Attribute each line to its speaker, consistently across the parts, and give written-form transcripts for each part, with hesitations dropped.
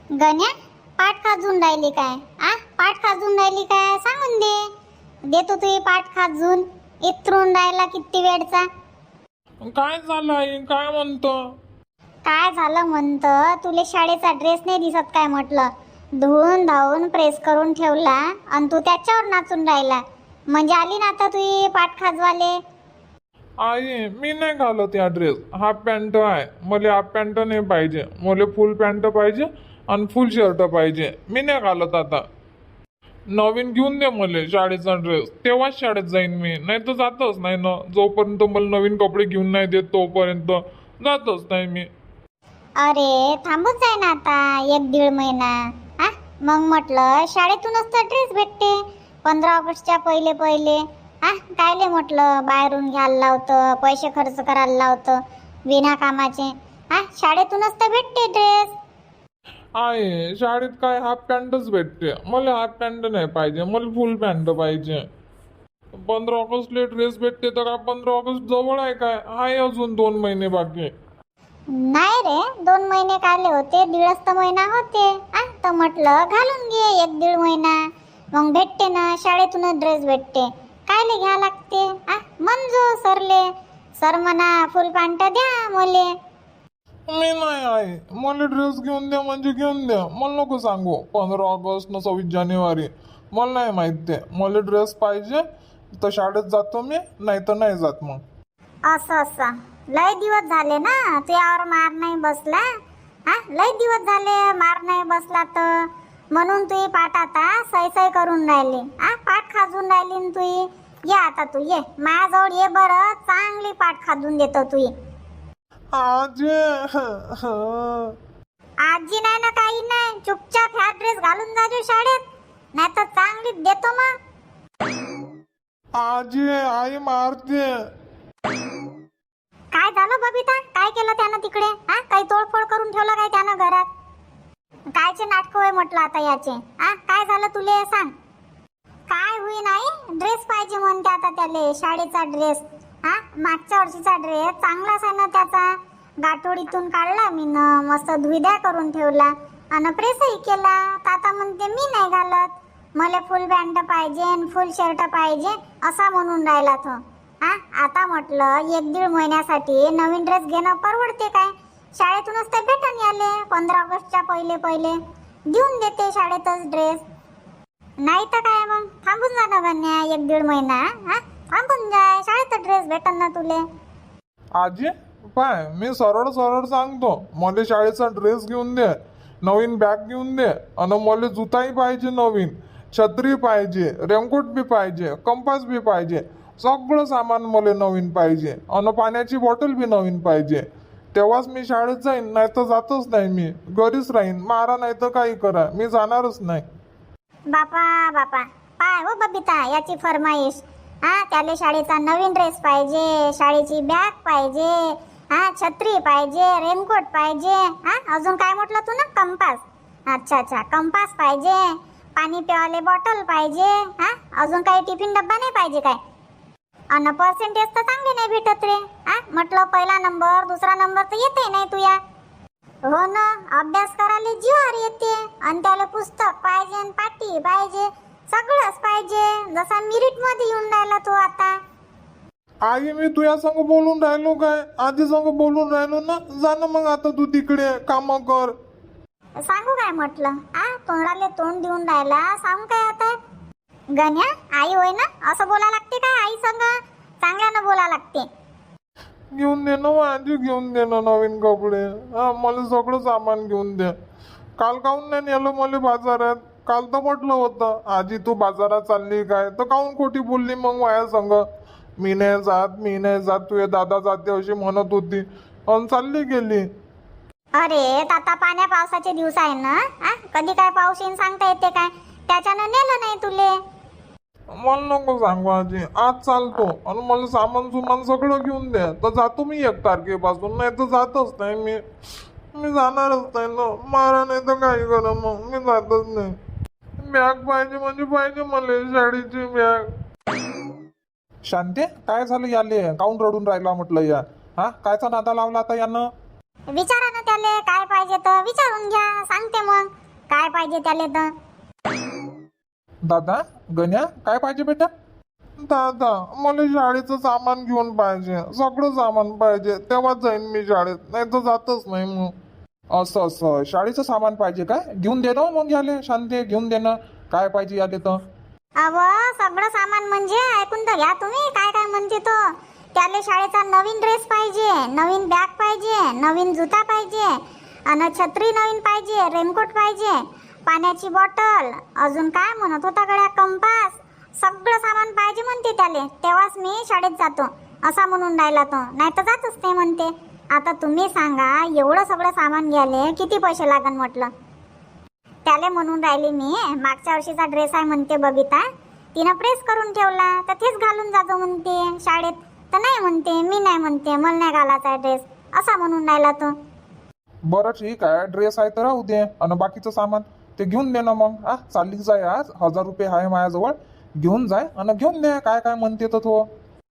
Speaker 1: गण्या, पाठ खाजून राहिली काय? पाठ खाजून राहिली काय सांगून दे. देतो तुझी पाठ खाजून. इथरून राहिला किती वेळचा.
Speaker 2: काय झालं आई? काय म्हणतो?
Speaker 1: काय झालं म्हणतं? तुले शाळेचा ड्रेस नाही दिसत काय म्हटलं? धुवून धावून प्रेस करून ठेवला आणि तू त्याच्यावर नाचून राहिला. म्हणजे आली ना आता तुझी पाठ खाजवाले.
Speaker 2: आई मी नाही घालत या ड्रेस. हाफ पॅन्ट आहे. मला हाफ पॅन्ट नाही पाहिजे. मला फुल पॅन्ट पाहिजे आणि फुल शर्ट पाहिजे. मी नाही घालत आता. नवीन घेऊन दे मला शाळेचा ड्रेस. तेव्हाच शाळेत जाईन मी. नाही तर जातच नाही ना. जोपर्यंत मला नवीन कपडे घेऊन नाही देत तोपर्यंत जातच नाही मी.
Speaker 1: अरे थांबूच जाय ना आता 1-1.5 महिना. मग म्हटलं शाळेतूनच तर ड्रेस भेटते 15 ऑगस्टच्या पहिले पहिले. कायले म्हटलं बाहेरून घ्यायला लावतं, पैसे खर्च करायला लावतं विना कामाचे. शाळेतूनच तर भेटते ड्रेस.
Speaker 2: आहे शाळेत काय हाफ पॅन्टच भेटते. मला हाफ पॅन्ट नाही पाहिजे. मला फुल पॅन्ट पाहिजे. 15 ऑगस्टला ड्रेस भेटते तर काय 15 ऑगस्ट जवळ आहे काय? आहे अजून 2 महिने बाकी.
Speaker 1: नाही रे, 2 महिने काले होते, 1.5 महिना होते. तर म्हटलं घालून घे 1-1.5 महिना. मग भेटते ना, शाळेतूनच ड्रेस भेटते. कायले घ्या लागते? मंजू सरले सर म्हणा फुल पॅन्ट द्या मले.
Speaker 2: मी नाही आहे. मला ड्रेस घेऊन द्या म्हणजे घेऊन द्या. मला नको सांगू 15 ऑगस्ट न 26 जानेवारी. मला नाही माहित ते. मला ड्रेस पाहिजे तर शाळेत जातो मी, नाही तर नाही जात मग.
Speaker 1: असं लय दिवस झाले ना तुझ्यावर मार नाही बसला. लय दिवस झाले मार नाही बसला तर म्हणून तुझी पाठ आता सै करून राहिली. पाठ खाजून राहिली न तुझी. ये आता तू ये माझ्याजवळ ये बरं. चांगली पाठ खाजून देतो तुझी.
Speaker 2: आजी
Speaker 1: आजी नाही ना काही नाही. चुपचाप ह्या ड्रेस घालून जाजो शाळेत, नाही तर चांगली देतो मग.
Speaker 2: आजी आई मारते.
Speaker 1: काय झालं बबिता? काय केलं त्यानं तिकडे? काही तोडफोड करून ठेवलं काय त्यानं घरात? कायचे नाटक होय म्हटलं आता याचे? काय झालं तुले सांग. काय होई नाही? ड्रेस पाहिजे म्हणते आता त्याले, शाळेचा ड्रेस. मागच्या वर्षीचा ड्रेस चांगलाच आहे ना त्याचा. गाठोडीतून काढला मी न, मस्त धुईद्या करून ठेवला आणि प्रेसही केला. आता म्हणते मी नाही घालत, मला फुल पॅन्ट पाहिजे आणि फुल शर्ट पाहिजे असा म्हणून राहिला तो. आता म्हटलं 1-1.5 महिन्यासाठी नवीन ड्रेस घेणं परवडते काय? शाळेतूनच ते भेटून याले 15 ऑगस्टच्या पहिले पहिले. देऊन देते शाळेतच ड्रेस. नाही तर काय मग थांबून जा ना गण्या 1-1.5 महिना. थांबून जाय, शाळेत ड्रेस भेटन ना तुले.
Speaker 2: आजी पाय मी सरळ सरळ सांगतो. मला शाळेचा ड्रेस घेऊन दे, नवीन बॅग घेऊन दे आणि मला जुताही पाहिजे नवीन, छत्री पाहिजे, रेनकोट बी पाहिजे, कंपास बी पाहिजे. सगळं सामान मला नवीन पाहिजे आणि पाण्याची बॉटल बी नवीन पाहिजे. तेव्हाच मी शाळेत जाईन, नाही तर जातच नाही मी. घरीच राहीन. मारा नाही तर काही करा, मी जाणारच नाही.
Speaker 1: बापा पाय हो बबिता याची फरमाईश. त्याला शाळेचा नवीन ड्रेस पाहिजे, शाळेची बॅग पाहिजे, छत्री पाहिजे, रेनकोट पाहिजे. अजून काय म्हटलं तू ना? कंपास. अच्छा कंपास पाहिजे, पाणी प्यावाले बॉटल पाहिजे. अजून काही टिफिन डब्बा नाही पाहिजे काय? आणि पर्सेंटेज तर चांगले नाही भेटत रे. म्हटलं पहिला नंबर दुसरा नंबर तर येते नाही तुया. हो ना, अभ्यास करायला जीवावर येते आणि त्याला पुस्तक पाहिजे आणि पाटी पाहिजे, सगळंच पाहिजे. जसा मिरिट मध्ये येऊन राहिला तो आता.
Speaker 2: आई मी तुझ्या संग बोलून राहिलो काय? आजी संग बोलून राहिलो ना. जा ना मग आता तू तिकडे काम कर.
Speaker 1: सांगू काय म्हटलं? तोंडाले तोंड देऊन राहिला. सांगू काय आता? गण्या आई होय ना, असं बोला लागते काय? आई संग चांगल्यानं बोला लागते.
Speaker 2: घेऊन दे ना आजी, घेऊन दे ना नवीन कपडे. मला सगळं सामान घेऊन दे. काल काहून नाही नेलं मला बाजारात? काल तर म्हटलं होतं आजी तू बाजारात चालली काय, तर काहून खोटी बोलली मग माझ्या संग? मी नाही जात तुझे दादा जाते अशी म्हणत होती आणि चालली गेली.
Speaker 1: अरे आता पाण्या पावसाचे दिवस आहे ना. कधी काय पाऊस येईन सांगता येते काय? त्याच्यानं नेलं नाही तुले.
Speaker 2: मला नको सांगू आजी. आज चालतो आणि मला सामान सगळं घेऊन द्या, तर जातो मी 1 तारखेपासून. नाही तर जातच नाही मी जाणारच नाही ना. मारा नाही तर काही करा, मग मी जातच नाही. बॅग पाहिजे म्हणजे पाहिजे मला, शाळेची बॅग. शांते काय झालं याले? काऊन रडून राहिला म्हटलं या? कायचा नादा लावला आता यानं?
Speaker 1: विचारा ना त्याले काय पाहिजे तर विचारून घ्या, सांगते मग काय पाहिजे त्याले तर.
Speaker 2: दादा गण्या काय पाहिजे बेटा? दादा मला शाळेचं सामान घेऊन पाहिजे, सगळं सामान पाहिजे, तेव्हा जाईन मी शाळेत, नाही तर जातच नाही मग. असं असं शाळेचं सामान पाहिजे काय? घेऊन दे ना मग याले शांती, घेऊन दे ना काय पाहिजे याले तर.
Speaker 1: अव सगळं सामान म्हणजे ऐकून तर घ्या तुम्ही काय काय म्हणते तो. त्याले शाळेचा नवीन ड्रेस पाहिजे, नवीन बॅग पाहिजे, नवीन जुता पाहिजे, आणि छत्री नवीन पाहिजे, रेनकोट पाहिजे, पाण्याची बॉटल, अजून काय म्हणत होता गड्या, कंपास, सगळं सामान पाहिजे म्हणते त्याले, तेव्हाच मी शाळेत जातो असा म्हणून राहिला तो, नाही तर जातच नाही म्हणते. आता तुम्ही सांगा एवढं सगळं सामान घ्यायले किती पैसे लागन म्हटलं. त्याले म्हणून राहिली मी मागच्या वर्षीचा ड्रेस आहे म्हणते बबिता, तिनं प्रेस करून ठेवला तर तेच घालून जातो म्हणते शाळेत, तर नाही म्हणते, मी नाही म्हणते, मला नाही घालायचा आहे ड्रेस असा म्हणून राहिला तो.
Speaker 2: बरं ठीक आहे, ड्रेस आहे तर राहू दे, आणि बाकीचं सामान ते घेऊन दे ना मग. चालली जाय, आज 1000 रुपये आहे माझ्याजवळ, घेऊन जाय आणि घेऊन दे काय काय म्हणते तर तो.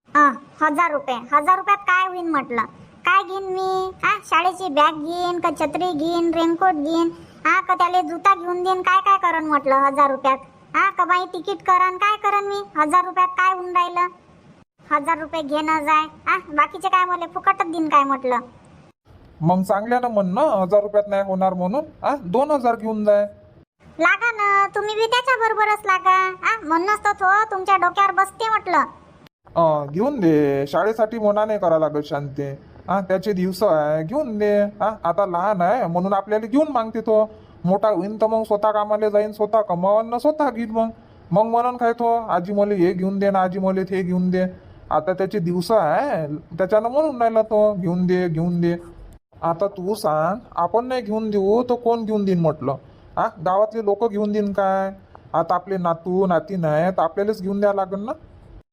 Speaker 1: 1000 रुपये? 1000 रुपयात काय होईन म्हटलं, काय घेईन मी? शाळेची बॅग घेईन का छत्री घेईन, रेनकोट घेईन, का त्याला जुता घेऊन देईन, काय काय करन म्हटलं 1000 रुपयात? का बाई तिकीट करन, काय करन मी 1000 रुपयात? काय होऊन राहिलं? 1000 रुपये घेणं जाय, बाकीचे काय मला फुकटच देईन काय म्हटलं.
Speaker 2: मग चांगल्यानं म्हण ना 1000 रुपयात नाही होणार म्हणून, 2000 घेऊन जाय.
Speaker 1: लागा ना तुम्ही बी त्याच्या बरोबरच लागा, म्हणूनच तर तो तुमच्या डोक्यावर बसते म्हटलं.
Speaker 2: घेऊन दे, शाळेसाठी मना नाही करा लागत शांती, त्याचे दिवस आहे, घेऊन दे. आता लहान आहे म्हणून आपल्याला घेऊन मागते तो, मोठा होईन तर मग स्वतः कामाला जाईन, स्वतः कमावून स्वतः घेईन. मग म्हणून काय तो आजी मला हे घेऊन दे ना, आजी मला हे घेऊन दे. आता त्याचे दिवस आहे त्याच्यानं म्हणून राहिला तो घेऊन दे घेऊन दे. आता तू सांग, आपण नाही घेऊन देऊ तर कोण घेऊन देईन म्हटलं? गावातले लोक घेऊन देईन काय? आता आपले नातू नाती नाही तर आपल्यालाच घेऊन द्यावं लागेल ना.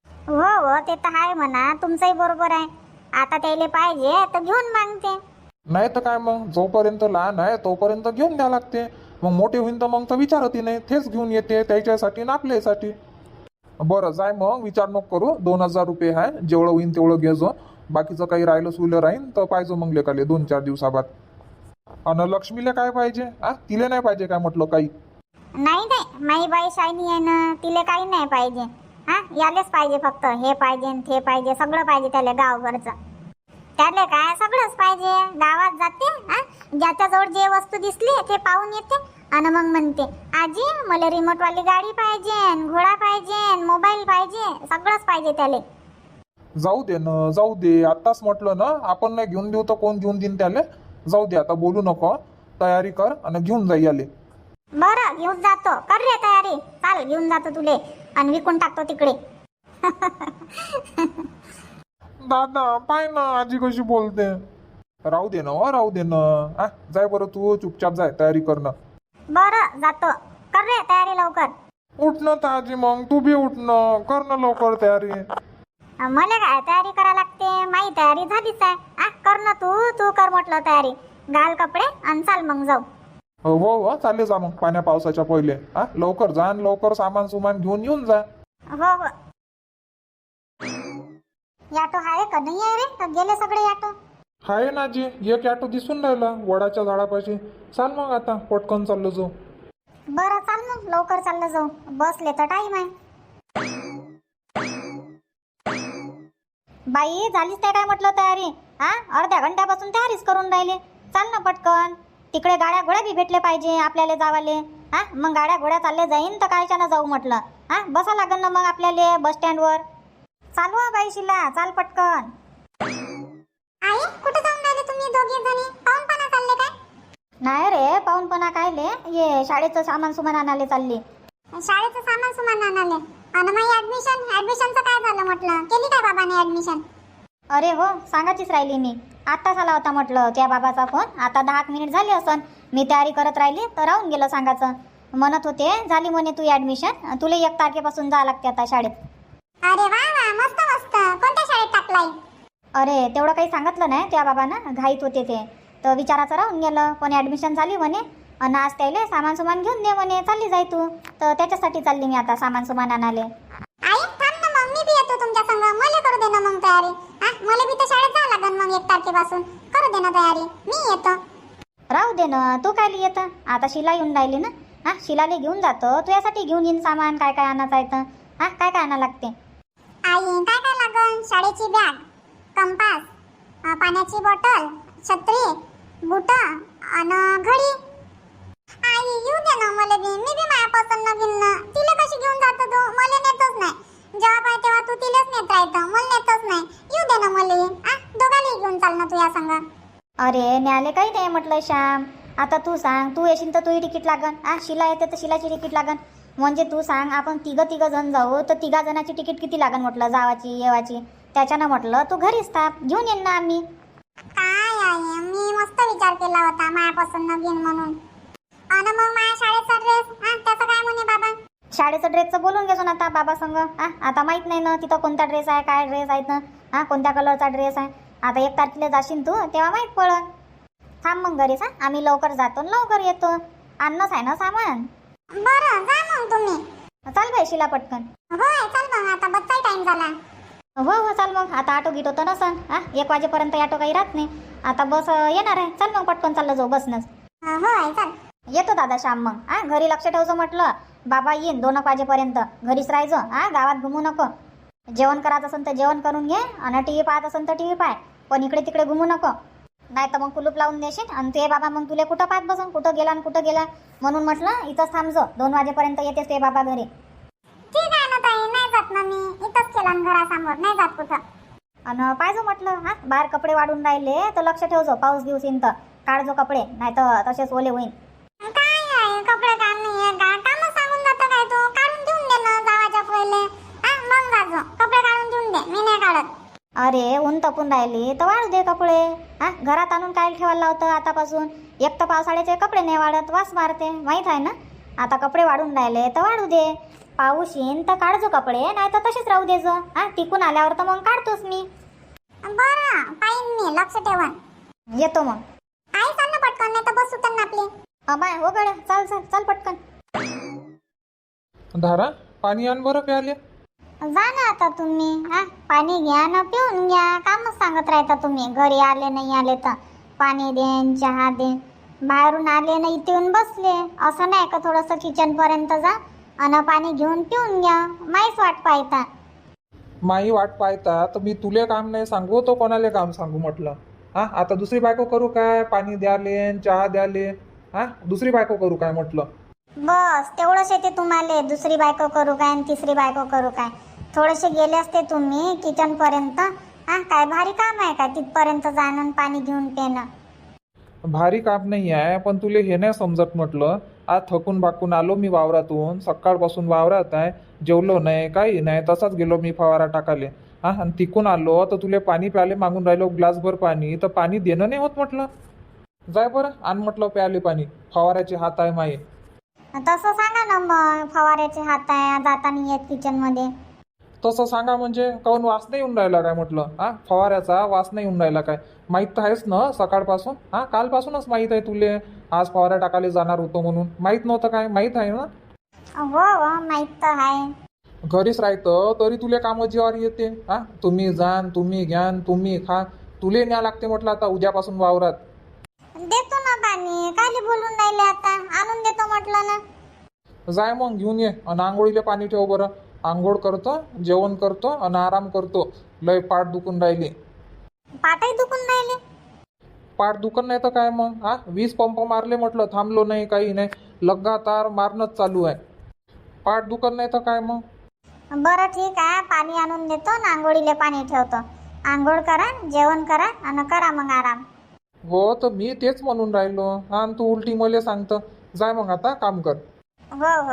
Speaker 1: हो ते तर आहे म्हणा, तुमचंही बरोबर आहे. आता त्याला पाहिजे तर घेऊन मागते,
Speaker 2: नाही तर काय मग, जोपर्यंत लहान आहे तोपर्यंत घेऊन द्यावं लागते. मग मोठे होईन तर मग तर विचारती नाही, तेच घेऊन येते त्याच्यासाठी ना आपल्यासाठी. बरं जाय मग, विचार नको करू, 2000 रुपये आहे, जेवढं होईन तेवढं घेजो, बाकीचं काही राहिलं सुलं राहीन तर पाहिजे मग लेकाले 2-4 दिवसाबाद. आणि लक्ष्मीला काय पाहिजे? तिला नाही पाहिजे काय म्हटलं काही?
Speaker 1: नाही माई बाई शायनी आहे ना, तिला काही नाही पाहिजे. यालेच पाहिजे, फक्त हे पाहिजे ते पाहिजे, सगळं पाहिजे त्याला गावभरचं. त्याला काय सगळंच पाहिजे. गावात जाते, ज्याच्याजवळ जे वस्तू दिसली ते पाहून येते आणि मग म्हणते आजी मला रिमोटवाली गाडी पाहिजे, घोडा पाहिजे, मोबाईल पाहिजे, सगळंच पाहिजे त्याला.
Speaker 2: जाऊ दे ना, जाऊ दे, आत्ताच म्हटलं ना आपण नाही घेऊन देऊ तर कोण घेऊन देईन त्याला. जाऊ दे, आता बोलू नको, तयारी कर आणि घेऊन जाई आले.
Speaker 1: बरं घेऊन जातो, कर रे तयारी, चाल घेऊन जातो तुले आणि विकून टाकतो तिकडे.
Speaker 2: दादा पाय ना आजी कशी बोलते. राहू दे ना, राहू दे ना. जाय बरं, तू चुपचाप जाय, तयारी कर ना.
Speaker 1: बरं जातो, कर रे तयारी लवकर.
Speaker 2: उठ ना ताजी, मग तू बी उठ ना, कर ना लवकर तयारी.
Speaker 1: मला काय तयारी करा लागते, माही तयारी झालीच आहे. कर ना तू कर म्हटलं तयारी, घाल कपडे आणि चाल मग जाऊ.
Speaker 2: हो चालले जा मग, पाण्या पावसाच्या पहिले. लवकर जा आणि लवकर सामान सुमान घेऊन येऊन जा.
Speaker 1: हो याटो आहे का नाही आहे रे, का गेले सगळे याटो?
Speaker 2: हाय ना जी, एक ऑटो दिसून राहिला वडाच्या झाडापाशी. चाल मग आता पटकन चाललो जाऊ.
Speaker 1: बरं चाल मग, लवकर चाललं जाऊ, बसले तर टाइम आहे. बाई झालीच ते काय म्हटलं तयारी? अर्ध्या घंट्यापासून तयारीच करून राहिले. चाल ना पटकन, तिकडे गाड्या घोड्या बी भेटले पाहिजे आपल्याला जावाले. मग गाड्या घोड्या चालले जाईन तर कायच्यानं जाऊ म्हटलं. बसा लागेल ना मग आपल्याला बस स्टँडवर. चालू बाई शिला, चाल पटकन. आई कुठे जाऊन राहिले तुम्ही दोघे जणी? पाहुणपणा चालले काय? नाही रे, पाहुणपणा कायले, ये शाळेचं सामान सुमान आणायला चालली. शाळेचं सामान सुमान आणाले? आणि माझी ऍडमिशनचं काय झालं म्हटलं? केली काय बाबाने ऍडमिशन? अरे हो, सांगायचीच राहिली मी. आत्ताच आला होता म्हटलं त्या बाबाचा फोन, आता 10 मिनिट झाली असन. मी तयारी करत राहिली तर राहून गेलं सांगायचं. म्हणत होते झाली म्हणे तू ऍडमिशन, तुला 1 तारखेपासून जा लागते आता शाळेत. अरे वा मस्त मस्त. कोणत्या शाळेत टाकलाय? अरे तेवढं काही सांगितलं नाही त्या बाबांना, घाईत होते ते तर विचाराचं राहून गेलं. पण ऍडमिशन झाली म्हणे आणि आज त्याला सामान सुमान घेऊन दे म्हणे, चालली जाय तू. तर त्याच्यासाठी चालली मी आता सामान सुमान आणाले. आई थांब ना मग, मी बी येतो तुमच्या संग, मला करू दे ना मग तयारी. मला बी तर शाळेत जावं लागेल मग 1 तारखेपासून. करू दे ना तयारी, मी येतो.
Speaker 3: राहू दे ना, तू काय येतं आता? शिला येऊन राहिली ना. हा, शिलाले घेऊन जातो, तुझ्यासाठी घेऊन येईन सामान. काय काय आणायचं आहे तर हा, काय काय आणा लागते?
Speaker 1: आई काय काय लागन? शाळेची बॅग, कंपास, पाण्याची बॉटल, छत्री, बुट आणि घडी. आई येऊ दे ना मला बी, मी बी माझ्या पसंत घेईन ना. तिला कशी घेऊन जातो तू? मला नेतच नाही. जेव्हा पाहिजे तेव्हा तू तिलाच नेत राहतं, मला नेतच नाही. येऊ दे ना मला. दोघांनाही घेऊन चाल ना तुझ्या संग.
Speaker 3: अरे न्याले काही नाही म्हटलं श्याम. आता तू सांग, तू येशील तर तुही तिकीट लागन. शिला येते तर शिलाची तिकीट लागन. म्हणजे तू सांग, आपण तिघ जण जाऊ तर 3 जणांची तिकीट किती लागन म्हटलं, जावाची येवाची. त्याच्यानं म्हटलं तू घरीच थांब, घेऊन येईन ना आम्ही.
Speaker 1: काय आहे, मी मस्त विचार केला होता माझ्या पसंत घेईन म्हणून. आणि मग माझ्या शाळेचा ड्रेस, त्याचं काय म्हणे बाबा?
Speaker 3: शाळेचं ड्रेसचं बोलून घेतो ना आता बाबा संग. आता माहित नाही ना तिथं कोणता ड्रेस आहे, काय ड्रेस आहेत ना, कोणत्या कलरचा ड्रेस आहे. आता 1 तारखेला जाशील तू तेव्हा माहीत पडल. थांब मग घरीच. आम्ही लवकर जातो आणि लवकर येतो. आणणंच आहे ना सामान.
Speaker 1: बरं जा मग तुम्ही.
Speaker 3: चाल बाई शिला पटकन.
Speaker 1: होय चल मग, आता बसचा टाइम झाला.
Speaker 3: हो चाल मग. आता ऑटो गिट होतं नसन. 1 वाजेपर्यंत ऑटो काही राहत नाही. आता बस येणार आहे. चल मग पटकन चाललं जाऊ बसनंच.
Speaker 1: होय चल.
Speaker 3: येतो दादा श्याम मग. घरी लक्ष ठेवचं म्हटलं. बाबा येईन 2 वाजेपर्यंत. घरीच राहायचं. गावात घुमू नको. जेवण करायचं असेल तर जेवण करून घे आणि टी व्ही पाहत असेल तर टी व्ही पाय. पण इकडे तिकडे घुमू नको. नाही तर मग कुलूप लावून देशील आणि ते बाबा मग तुला कुठं पाहत बसून, कुठं गेला आणि कुठं गेला. म्हणून म्हटलं इथंच थांबजो. 2 वाजेपर्यंत येतेस ते बाबा घरी.
Speaker 1: ठीक आहे ना ताई, नाही जात ना मी. इथंच केला घरासमोर, नाही जात कुठं.
Speaker 3: आणि पाहिजे म्हटलं बाहेर कपडे वाढून राहिले तर लक्ष ठेवजो. पाऊस दिवस येईन तर काढजो कपडे, नाही तर तसेच ओले होईन.
Speaker 1: काय आहे, कपडे काम नाहीये का? कामच सांगून जातं काय तू? काढून देऊन दे ना जावाच्या पहिले. मग जाजो. कपडे काढून देऊन दे, मी नाही काढत.
Speaker 3: अरे ऊन तपून राहिली तर वाळू दे कपडे. घरात आणून काय ठेवायला लावतं आतापासून? एक तर पावसाळ्याचे कपडे नाही वाढत, वास मारते, माहीत आहे ना. आता कपडे वाढून राहिले तर वाढू दे. पाऊस येईन तर काढजो कपडे, नाही तर तसेच राहू देजो. तिकून आल्यावर तर मग काढतोस मी.
Speaker 1: बरं पाहिन मी, लक्ष ठेवा.
Speaker 3: येतो मग.
Speaker 1: आई चाल ना पटकन, नाही तर बस सुटन ना आपली.
Speaker 3: अमाय हो गड्या, चाल चाल चाल पटकन.
Speaker 2: धारा पाणी आण बरं प्याले.
Speaker 1: जा ना आता तुम्ही. पाणी घ्या ना, पिऊन घ्या. कामच सांगत राहता तुम्ही. घरी आले नाही आले तर पाणी देन, चहा देन. बाहेरून आले ना इथे येऊन बसले. असं नाही का थोडंसं किचन पर्यंत जा आणि पाणी घेऊन पिऊन घ्या. माहीच वाट पाहता.
Speaker 2: माई वाट पाहता तर मी तुले काम नाही सांगू तो कोणाले काम सांगू म्हटलं. आता दुसरी बायको करू काय? पाणी द्याले, चहा द्याले. दुसरी बायको करू काय म्हटलं.
Speaker 1: बस तेवढंच येते तुम्हाला. दुसरी बायको करू काय आणि तिसरी बायको करू काय? थोडेसे गेले असते तुम्ही किचन पर्यंत. काय भारी काम आहे का तिथपर्यंत जाणं पाणी घेऊन पेणं?
Speaker 2: भारी काम नाही आहे, पण तुले हे नाही समजत म्हटलं. आज थकून बाकून आलो मी वावरातून. सकाळपासून वावरात आहे. जेवलो नाही, काही नाही, तसाच गेलो मी फवारा टाकाले. आणि तिकून आलो तर तुले पाणी प्याले मागून राहिलो ग्लासभर पाणी, तर पाणी देणं नाही होत म्हटलं. जाय बरं आण म्हटलं प्याले पाणी. फवाऱ्याचे हात आहे माई.
Speaker 1: तसं सांगा ना मग. फवाऱ्याचे हात आहे, जाताना येत किचन मध्ये.
Speaker 2: तसं सांगा म्हणजे काऊन वास नाही येऊन राहिला काय म्हटलं. फवाऱ्याचा वास नाही येऊन राहिला काय? माहीत तर आहेच ना सकाळपासून. कालपासूनच माहीत आहे तुले. आज फवारा टाकायला जाणार होतो म्हणून. माहीत नव्हतं काय? माहीत आहे ना.
Speaker 1: हो माहित तर आहे.
Speaker 2: घरीच राहतं तरी तुले कामं जीवावर येते. तुम्ही जाण, तुम्ही घ्यान, तुम्ही खा. तुले न्या लागते म्हटलं आता उद्यापासून वावरात.
Speaker 1: देतो ना पाणी. काली बोलून राहिले आता. आणून देतो म्हटलं ना.
Speaker 2: जाय मग घेऊन ये. आणि आंघोळीला पाणी ठेव बरं. आंघोळ करतो, जेवण करतो आणि आराम करतो. लय पाठ दुखून राहिली.
Speaker 1: पाठही दुखून राहिले.
Speaker 2: पाठ दुखत नाही तर काय मग. 20 पंप मारले म्हटलं, थांबलो नाही, काही नाही. लगातार मारणंच चालू आहे. पाठ दुखत नाही तर काय मग.
Speaker 1: बरं ठीक आहे, पाणी आणून देतो ना. आंघोळीले पाणी ठेवतो. आंघोळ करा, जेवण करा आणि करा मग आराम.
Speaker 2: हो तर मी तेच म्हणून राहिलो. आणि तू उलटी मला सांगतं. जाय मग आता काम कर.
Speaker 1: हो.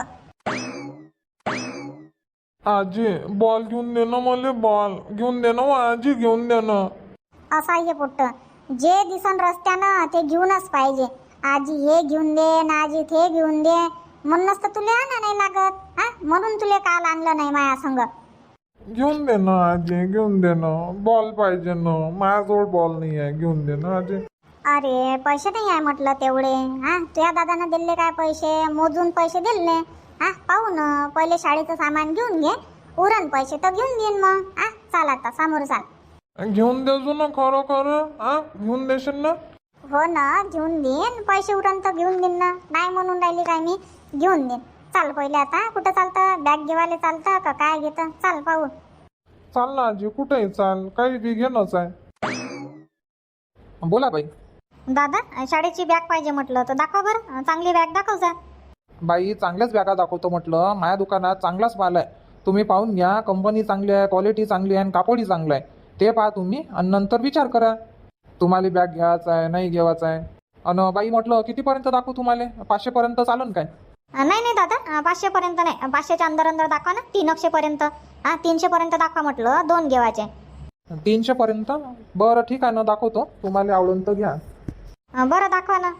Speaker 2: आजी बॉल घेऊन दे ना मला. बॉल घेऊन दे ना आजी, घेऊन दे ना.
Speaker 1: असं आहे पुट्ट. जे दिसन रस्त्यानं ते घेऊनच पाहिजे. आजी हे घेऊन दे ना, आजी ते घेऊन दे. म्हणूनच तर तुला आणा नाही लागत. म्हणून तुला काल आणलं नाही माया संग.
Speaker 2: घेऊन दे ना आजी, घेऊन दे ना. बॉल पाहिजे ना. माझ्याजवळ बॉल नाही आहे. घेऊन दे ना आजी.
Speaker 1: अरे पैसे नाही आहे म्हटलं तेवढे. तुझ्या दादानं दिले काय पैसे? मोजून पैसे दिले. पाहू ना, पहिले शाळेचं सामान घेऊन घे. उरण पैसे तर घेऊन देईन मग. चाल आता समोर चाल.
Speaker 2: घेऊन देजो ना खरं खरं, हा घेऊन देशील ना?
Speaker 1: हो ना, घेऊन देईन. पैसे उरण तर घेऊन देईन ना. नाही म्हणून राहिली काय मी, घेऊन देईन. चाल पहिले आता. कुठं चालतं? बॅग घेवाले चालतं का काय घेतं? चाल पाहू.
Speaker 2: चाल ना आजी, कुठेही चाल, काही बी घेणंच आहे. बोला बाई.
Speaker 3: दादा शाळेची बॅग पाहिजे म्हटलं तर दाखवा बरं, चांगली बॅग दाखव जा.
Speaker 2: बाई चांगल्याच बॅगा दाखवतो म्हटलं. माझ्या दुकानात चांगलाच माल आहे, तुम्ही पाहून घ्या. कंपनी चांगली आहे, क्वालिटी चांगली आहे आणि कापडही चांगलं आहे. ते पहा तुम्ही आणि नंतर विचार करा तुम्हाला बॅग घ्यायचा आहे नाही घ्यायचा आहे. आणि बाई म्हटलं कितीपर्यंत दाखवू तुम्हाला? 500 पर्यंत चालन काय?
Speaker 3: नाही नाही दादा, 500 पर्यंत नाही. 500च्या अंदर अंदर दाखवा ना. 300 पर्यंत. 300 पर्यंत दाखवा म्हटलं. 2 घेवायचे.
Speaker 2: 300 पर्यंत? बरं ठीक आहे ना, दाखवतो. तुम्हाला आवडून तर घ्या.
Speaker 3: बरं दाखवा ना.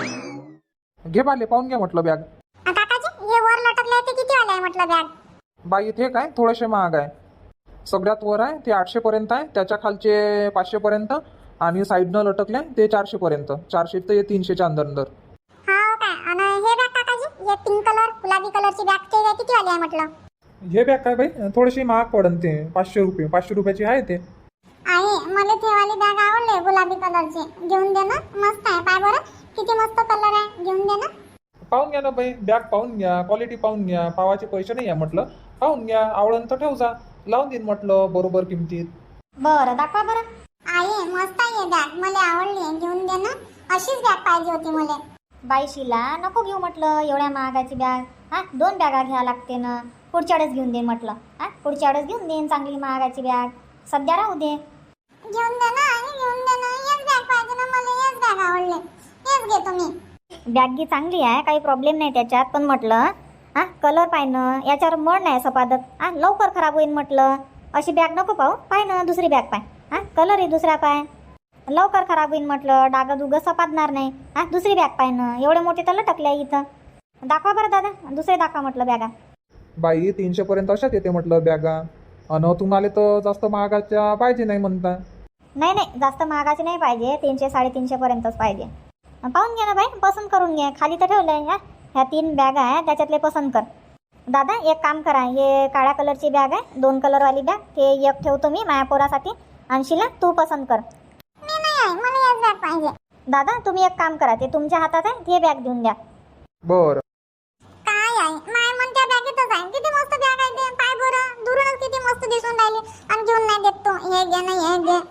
Speaker 2: घे बाले, पाहून घ्या म्हटलं बॅग.
Speaker 1: काकाजी, हे वर लटकले ते किती वाले आहे म्हटलं बॅग?
Speaker 2: बाई इथे काय थोडेसे महाग आहे. सगळ्यात वर आहे ते 800 पर्यंत आहे, त्याच्या खालचे 500 पर्यंत आणि साईडनं लटकले ते 400 पर्यंत. 400 ते 300च्या अंदर अंदर.
Speaker 1: हो काय? आणि हे बॅग काकाजी, हे पिंक कलर गुलाबी कलरची बॅग ते किती वाली आहे म्हटलं?
Speaker 2: हे बॅग काय बाई थोडीशी महाग पडन, ते 500 रुपये. 500 रुपयाची आहे ते.
Speaker 1: आहे, मला ते वाली बॅग आवडली गुलाबी कलरची. घेऊन दे ना, मस्त आहे. पाय बरं किती मस्त कलर आहे. घेऊन दे ना.
Speaker 2: पाहून घ्या ना बाई, बॅग पाहून घ्या, क्वालिटी पाहून घ्या. पावाचे पैसे नाही आहे म्हटलं, पाहून घ्या. आवडून तर ठेव जा, लावून देईन म्हटलं बरोबर किमतीत.
Speaker 3: बरं दाखवा बरं.
Speaker 1: आहे, मस्त आहे बॅग, मला आवडली. घेऊन दे ना. अशीच बॅग पाहिजे होती मला.
Speaker 3: बाई शिला नको घेऊ म्हटलं एवढ्या महागाची बॅग. 2 बॅगा घ्या लागते ना. पुढच्या वेळेस घेऊन दे म्हटलं. पुढच्या वेळेस घेऊन देईन चांगली महागाची बॅग. सध्या राहू दे.
Speaker 1: घेऊन दे ना, घेऊन दे ना. हेच बॅग पाहिजे ना मला. हेच बॅग आवडली, हेच घेतो मी.
Speaker 3: बॅग ही चांगली आहे, काही प्रॉब्लेम नाही त्याच्यात. पण म्हटलं कलर पाहिनं, याच्यावर मळ नाही सपादत. लवकर खराब होईल म्हटलं. अशी बॅग नको पाहू. पाय ना दुसरी बॅग पाय. कलरही दुसरा पाय. लवकर खराब होईल म्हटलं. डागं सपादणार नाही. दुसरी बॅग पाय ना. एवढे मोठे तर लटकले इथं. दाखवा बरं दादा, दुसरे दाखवा म्हटलं बॅगा.
Speaker 2: बाई 300 पर्यंत अशाच येते म्हटलं बॅगा. आणि तुम्हाला तर जास्त महागाच्या पाहिजे नाही म्हणता.
Speaker 3: नाही नाही, जास्त महागाची नाही पाहिजे. 300 350 पर्यंतच पाहिजे. पाहून घ्या ना बाई, पसंत करून घ्या. खाली तर ठेवलंय. ह्या 3 बॅग आहे, त्याच्यातले पसंत कर. दादा एक काम करा, हे काळ्या कलरची बॅग आहे, 2 कलरवाली बॅग. ते एक ठेवतो मी माझ्या पोरासाठी. आणि शिला तू पसंत कर.
Speaker 1: मी नाही आहे, मला हेच बॅग पाहिजे.
Speaker 3: दादा तुम्ही एक काम करा, ते तुमच्या हातात आहे, ते बॅग देऊन द्या.
Speaker 2: बरं.
Speaker 1: काय आहे माय मन त्या बॅगेतच आहे. किती मस्त बॅग आहे ते. पाय बरं दुरूनच किती मस्त दिसून राहिली. आणि घेऊन नाही देत तो. हे घे ना, हे घे.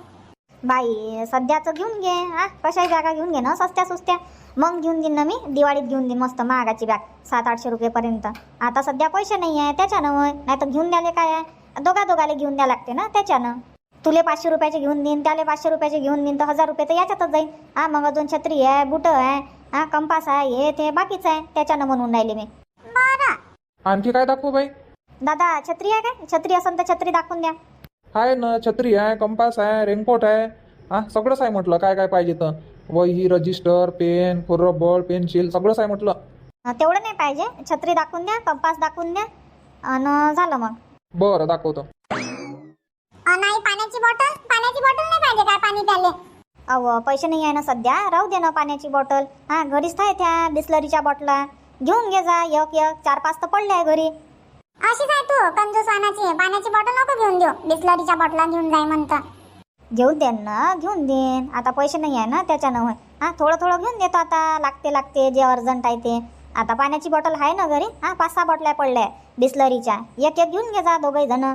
Speaker 3: बाई सध्याचं घेऊन घे. कशाही बॅगा घेऊन घे ना, सस्त्या सुस्त्या. मग घेऊन देईन ना मी. दिवाळीत घेऊन देईन मस्त महागाची बॅग 700-800 रुपयेपर्यंत. आता सध्या पैसे नाही आहे त्याच्यानं होय. नाही तर घेऊन द्याले काय आहे, दोघाले घेऊन द्या लागते ना त्याच्यानं. तुले 500 रुपयाचे घेऊन देईन, त्याला 500 रुपयाचे घेऊन देईन, तर 1000 रुपये तर याच्यातच जाईल. मग अजून छत्री आहे, बुटं आहे, कंपास आहे, हे ते बाकीचं आहे. त्याच्यानं म्हणून राहिले मी.
Speaker 1: बरं
Speaker 2: आणखी काय दाखवू बाई?
Speaker 3: दादा छत्री आहे काय? छत्री असेल तर छत्री दाखवून द्या.
Speaker 2: आहे ना, छत्री आहे, कंपास आहे, रेनकोट आहे. सगळंच आहे म्हटलं. काय काय पाहिजे तर वही, रजिस्टर, पेन, रबर, पेन्सिल सगळंच आहे म्हटलं.
Speaker 3: तेवढं नाही पाहिजे. छत्री दाखवून द्या, कंपास दाखवून द्या आणि झालं मग.
Speaker 2: बरं दाखवतो.
Speaker 1: नाही, पाण्याची बॉटल. पाण्याची बॉटल नाही पाहिजे काय पाणी प्याले?
Speaker 3: अहो पैसे नाही आहे ना सध्या. राहू दे ना पाण्याची बॉटल. घरीच आहे त्या बिस्लरीच्या बॉटला. घेऊन घे जा. एक 4-5 तर पडले आहे घरी.
Speaker 1: अशीच आहे तू कंजूस वानाची. पाण्याची बॉटल नको घेऊन देऊ. बिस्लरीच्या बॉटला घेऊन जाय म्हणता.
Speaker 3: घेऊन देन ना, घेऊन देन. आता पैसे नाही आहे ना त्याच्यानं होय. थोडं थोडं घेऊन देतो आता. लागते जे अर्जंट आहे ते. आता पाण्याची बॉटल आहे ना घरी. 5-6 बॉटल्या पडल्या बिस्लरीच्या. एक घेऊन घे जा दोघे जण.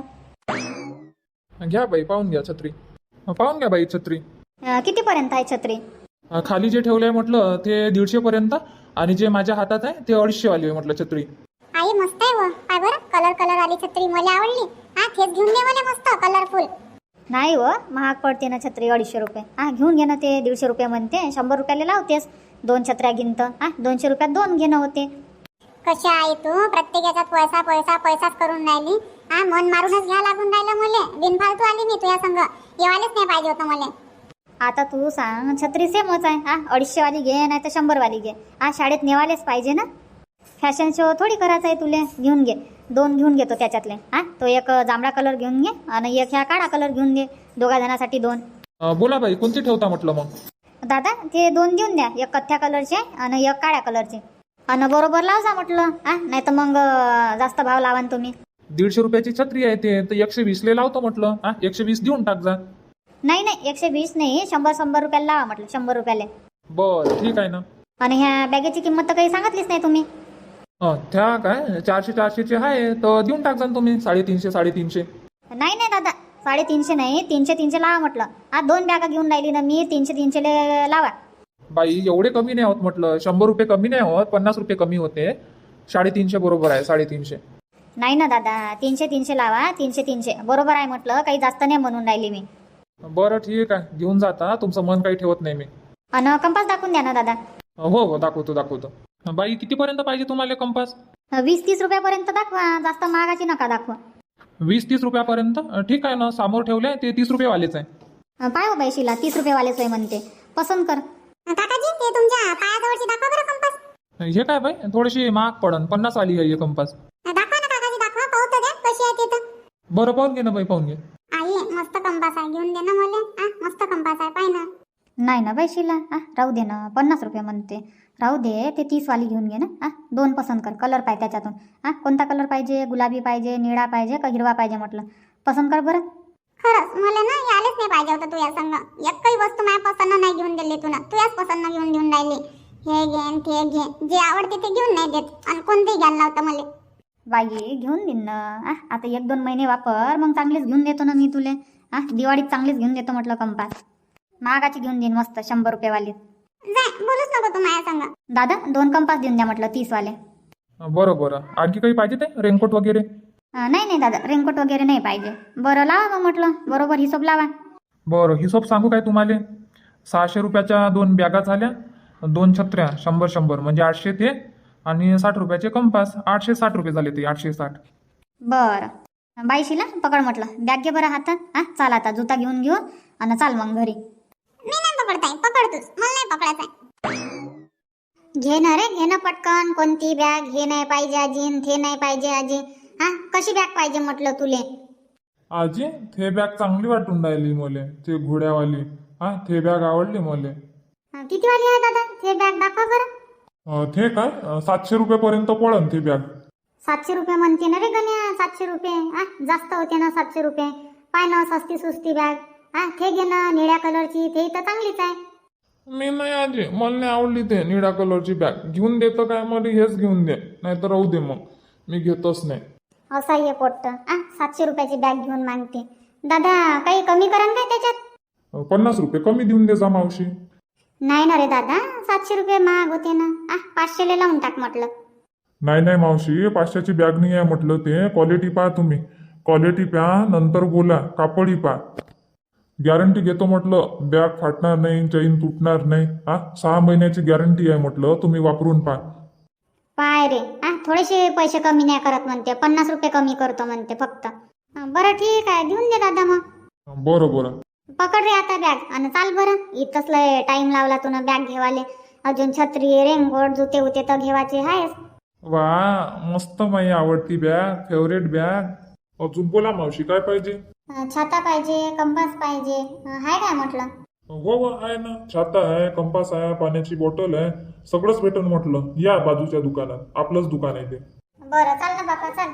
Speaker 2: घ्या बाई, पाहून घ्या छत्री. पाहून घ्या बाई छत्री.
Speaker 3: कितीपर्यंत आहे छत्री?
Speaker 2: खाली जे ठेवलंय म्हटलं ते 150 पर्यंत. आणि जे माझ्या हातात आहे ते 250 वाली आहे म्हटलं छत्री.
Speaker 1: आई मस्त आहे व. पाय बरं कलर आली छत्री. मला आवडली. तेच घेऊन दे मला मस्त कलरफुल.
Speaker 3: नाही हो, महाग पडते ना छत्री. 250 रुपये. घेऊन घे ना. ते 150 रुपये म्हणते. 100 रुपयाला लावतेस. 2 छत्र्या घेणत. 200 रुपयात 2 घेणं होते.
Speaker 1: कशा आहे तू? प्रत्येक याच्यात पैसा पैसा पैसाच करून राहिली. मन मारूनच घ्या लागून राहिलं मला. बिनफालतू आली मी तुझ्या संग. येवायलाच नाही पाहिजे होतं मला.
Speaker 3: आता तू सांग, छत्री सेमच आहे. 250 वाली घे नाही तर 100 वाली घे. शाळेत नेवालेच पाहिजे ना. फॅशन शो थोडी करायचा आहे तुले. घेऊन घे. 2 घेऊन घेतो त्याच्यातले. तो एक जांभळा कलर घेऊन घे आणि एक ह्या काळा कलर घेऊन घे. दोघा जणांसाठी 2.
Speaker 2: बोला बाई, कोणती ठेवता म्हटलं मग?
Speaker 3: दादा ते 2 देऊन द्या. एक कथ्या कलरचे आणि एक काळ्या कलरचे. आणि बरोबर लाव जा म्हटलं. नाही तर मग जास्त भाव लावान तुम्ही.
Speaker 2: 150 रुपयाची छत्री आहे ते, तर 120 लावतो म्हटलं. 120 देऊन टाक जा.
Speaker 3: नाही नाही 120 नाही, 100 रुपयाला लावा म्हटलं, 100 रुपयाले.
Speaker 2: बरं ठीक आहे ना.
Speaker 3: आणि ह्या बॅगेची किंमत तर काही सांगितलीच नाही तुम्ही.
Speaker 2: त्या काय 400-400चे आहे तर देऊन टाक तुम्ही 350-350.
Speaker 3: नाही नाही दादा, 350 नाही, 300 लावा म्हटलं. आज 2 बॅगा घेऊन राहिली ना मी, 300 लावा.
Speaker 2: बाई एवढे कमी नाही होत म्हटलं, 100 रुपये कमी नाही होत, 50 रुपये कमी होते. 350 बरोबर आहे, 350.
Speaker 3: नाही ना दादा, 300 लावा, 300 बरोबर आहे म्हटलं, काही जास्त नाही म्हणून राहिली मी.
Speaker 2: बरं ठीक आहे, घेऊन जाता, तुमचं मन काही ठेवत नाही मी.
Speaker 3: आणि कंपास दाखवून द्या ना दादा.
Speaker 2: हो दाखवतो. बाई कितीपर्यंत पाहिजे तुम्हाला कंपास?
Speaker 3: 20-30 रुपयापर्यंत दाखवा, जास्त महागाची नका दाखवा.
Speaker 2: 20-30 रुपयापर्यंत ठीक आहे ना, समोर ठेवले ते 30 रुपये वालेच आहे.
Speaker 3: पाय हो बाई शिला, 30 रुपयेवालेच आहे म्हणते, पसंत कर.
Speaker 1: काकाजी ते तुमच्या पायाजवळची दाखवा बरं कंपास.
Speaker 2: हे काय बाई थोडीशी महाग पडन, 50 वाली आहे हे कंपास.
Speaker 1: दाखवा ना काकाजी, दाखवा, पाहू तर द्या कशी आहे ते तर.
Speaker 2: बरं पाहून घे ना बाई, पाहून घे.
Speaker 1: आई मस्त कंपास आहे, घेऊन दे ना मला. मस्त कंपास आहे, पाय ना.
Speaker 3: नाही ना बाई शिला, राहू दे ना, 50 रुपये म्हणते, राहू दे, ते 30 वाली घेऊन घे ना. 2 पसंत कर, कलर पाहिजे त्याच्यातून. कोणता कलर पाहिजे, गुलाबी पाहिजे, निळा पाहिजे का हिरवा पाहिजे म्हटलं, पसंत कर बरं.
Speaker 1: खरंच मला ना यायलाच नाही पाहिजे होतं तुझ्या संग. एकही वस्तू माझ्या पसंत नाही घेऊन दिली तुला, तुझ्याच पसंत घेऊन राहिली. हे घे न ते घे, जे आवडते ते घेऊन नाही देत, आणि कोणतेही घ्यायला लावतं मला.
Speaker 3: बाई घेऊन देईन ना. आता 1-2 महिने वापर, मग चांगलीच घेऊन देतो ना मी तुले. दिवाळीत चांगलीच घेऊन देतो म्हटलं कंपास. महागाची घेऊन देईन मस्त, 100 रुपयेवाली.
Speaker 1: जाय, बोलूच नको तू माझ्या संग.
Speaker 3: दादा 2 कंपास देऊन द्या म्हटलं, 30 वाले.
Speaker 2: बरं आणखी काही पाहिजे ते, रेनकोट वगैरे?
Speaker 3: नाही दादा, रेनकोट वगैरे नाही पाहिजे. बरं लावा मग म्हटलं, बरोबर हिशोब लावा.
Speaker 2: बरं हिशोब सांगू काय तुम्हाला? 600 रुपयाच्या 2 बॅगा झाल्या, 2 छत्र्या 100 म्हणजे 800 ते, आणि 60 रुपयाचे कंपास, 860 रुपये झाले ते, 860.
Speaker 3: बरं बाई शिला, पकड म्हटलं, बॅग घे बरं हातात. चाल आता, जुता घेऊन घेऊ आणि चाल मग घरी.
Speaker 1: मी नाही पकडताय, पकड तूच, मला नाही पकडायचंय.
Speaker 3: घे ना रे, घे ना पटकन. कोणती बॅग? हे नाही पाहिजे आजी, ते नाही पाहिजे आजी. कशी बॅग पाहिजे म्हटलं तुले?
Speaker 2: आजी ते बॅग चांगली वाटून राहिली मला, ते घोड्यावाली. ते बॅग आवडली मला.
Speaker 3: किती वाली आहे दादा ते बॅग? दाखवा बरं.
Speaker 2: ते काय 700 रुपयापर्यंत पडन ती बॅग.
Speaker 3: 700 रुपये म्हणते ना रे गण्या, 700 रुपये जास्त होते ना. 700 रुपये पाय ना, सस्ती सुस्ती बॅग. ते घे ना, निळ्या कलरची, ते तर चांगलीच आहे.
Speaker 2: मी नाही आजी, मला नाही आवडली ते निळ्या कलरची बॅग. घेऊन देतो काय मला, हेच घेऊन दे, नाही तर राहू दे, मग मी घेतच नाही.
Speaker 3: असा ये पोट्ट 700 रुपयाची बॅग घेऊन मागते. दादा काही कमी करा काय त्याच्यात?
Speaker 2: 50 रुपये कमी देऊन दे जा मावशी.
Speaker 3: नाही ना रे दादा, 700 रुपये महाग होते ना. 500 लावून टाक म्हटलं.
Speaker 2: नाही मावशी, 500ची बॅग नाही आहे म्हटलं, ते क्वालिटी पहा तुम्ही. क्वालिटी पहा, नंतर बोला. कापडी पहा, गॅरंटी घेतो म्हटलं. बॅग फाटणार नाही, चैन तुटणार नाही. 6 महिन्याची गॅरंटी आहे म्हटलं, तुम्ही वापरून पहा.
Speaker 3: पाय रे, थोडेसे पैसे कमी नाही करत म्हणते, 50 रुपये कमी करतो म्हणते फक्त. बरं ठीक आहे, देऊन दे दादा मग.
Speaker 2: बरं
Speaker 3: पकड रे आता बॅग आणि चाल बरं. इथंच लय टाइम लावला तुला बॅग घेवाले. अजून छत्री, रेनकोट, जुते उते तर घेवायचे आहेस.
Speaker 2: वा मस्त, माझी आवडती बॅग, फेवरेट बॅग. अजून बोला मावशी, काय पाहिजे?
Speaker 3: छाता पाहिजे, कंपास पाहिजे, आहे काय म्हटलं?
Speaker 2: हो आहे ना, छाता आहे, कंपास आहे, पाण्याची बॉटल आहे, सगळंच भेटन म्हटलं. या बाजूच्या दुकानात, आपलंच दुकान आहे ते.
Speaker 3: बरं चाल ना बापा, चाल.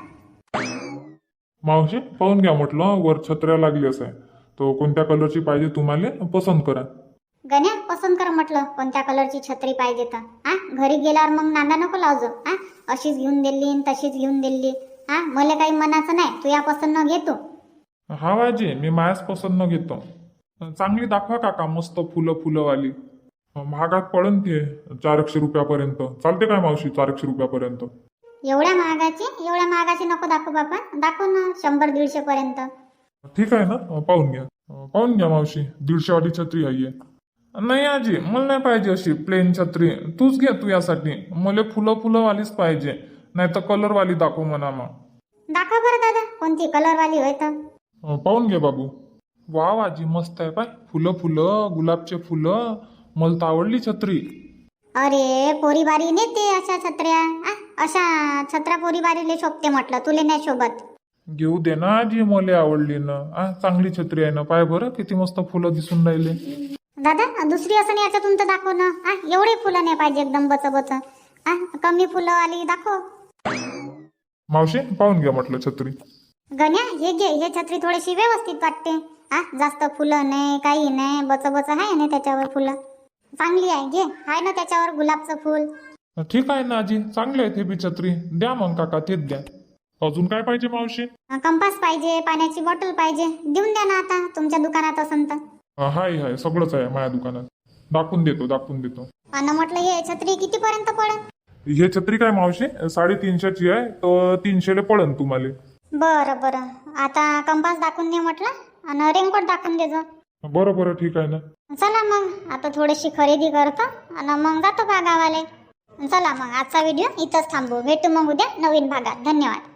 Speaker 2: मावशी पाहून घ्या म्हटलं, वर छत्र्या लागली असं आहे, तो कोणत्या कलरची पाहिजे तुम्हाला पसंत करा.
Speaker 3: गण्या पसंत कर म्हटलं, कोणत्या कलरची छत्री पाहिजे तर. घरी गेल्यावर मग नांदा नको लावजो. अशीच घेऊन दिली तशीच घेऊन दिली. मला काही मनाचं नाही, तू या पसंत न घेतो.
Speaker 2: हा वाजी, मी मायाच पसंत न घेतो. चांगली दाखवा काका, मस्त फुलंवाली. महागात पडन ते 400 रुपयापर्यंत. चालते काय मावशी 400 रुपयापर्यंत?
Speaker 3: एवढ्या महागाची नको दाखवू बापा. दाखव ना 100-150 पर्यंत.
Speaker 2: ठीक आहे ना, पाहून घ्या मावशी, 150 वाली छत्री आहे. नाही आजी, मला नाही पाहिजे अशी प्लेन छत्री. तूच घे, तू यासाठी. मला फुलंवालीच पाहिजे, नाही तर कलरवाली दाखव म्हणा. मग
Speaker 3: दाखव बरं दादा, कोणती कलरवाली होय तर.
Speaker 2: पाहून घे बाबू. वा आजी, मस्त आहे पाय. फुलं, गुलाबचे फुलं. मला तर आवडली छत्री.
Speaker 3: अरे पोरीबारी नेते अशा छत्र्या. अशा छत्र्या पोरीबारीले शोभते म्हटलं, तुले नाही शोभत.
Speaker 2: घेऊ दे ना आजी, मला आवडली ना. चांगली छत्री आहे ना, पाय बरं किती मस्त फुलं दिसून राहिले.
Speaker 3: दादा दुसरी असं नाही याच्यातून तर दाखव ना. एवढे फुलं नाही पाहिजे एकदम बच. कमी फुलं आली दाखव.
Speaker 2: मावशी पाहून घ्या म्हटलं छत्री.
Speaker 3: गण्या हे घे, हे छत्री थोडीशी व्यवस्थित वाटते.
Speaker 1: जास्त फुलं नाही काही नाही, बच आहे ना त्याच्यावर फुलं. चांगली आहे, घे. आहे ना त्याच्यावर गुलाबचं फुल.
Speaker 2: ठीक आहे ना आजी, चांगले आहे ते बी छत्री. द्या मग काका, तेच द्या. अजून काय पाहिजे मावशी?
Speaker 1: कंपास पाहिजे, पाण्याची बॉटल पाहिजे. देऊन द्या ना आता, तुमच्या दुकानात असन तर.
Speaker 2: हाय सगळंच आहे माझ्या दुकानात. दाखवून देतो.
Speaker 1: आणि म्हटलं हे छत्री कितीपर्यंत पडेल?
Speaker 2: हे छत्री काय मावशी 350ची आहे, तर 300 पडन तुम्हाला.
Speaker 1: बरं. आता कंपास दाखवून दे म्हटलं आणि रेनकोट दाखवून देजो.
Speaker 2: बरं ठीक आहे ना.
Speaker 1: चला मग आता थोडीशी खरेदी करतो आणि मग जातो का गावाले. चला मग आजचा व्हिडिओ इथंच थांबू. भेटू मग उद्या नवीन भागात. धन्यवाद.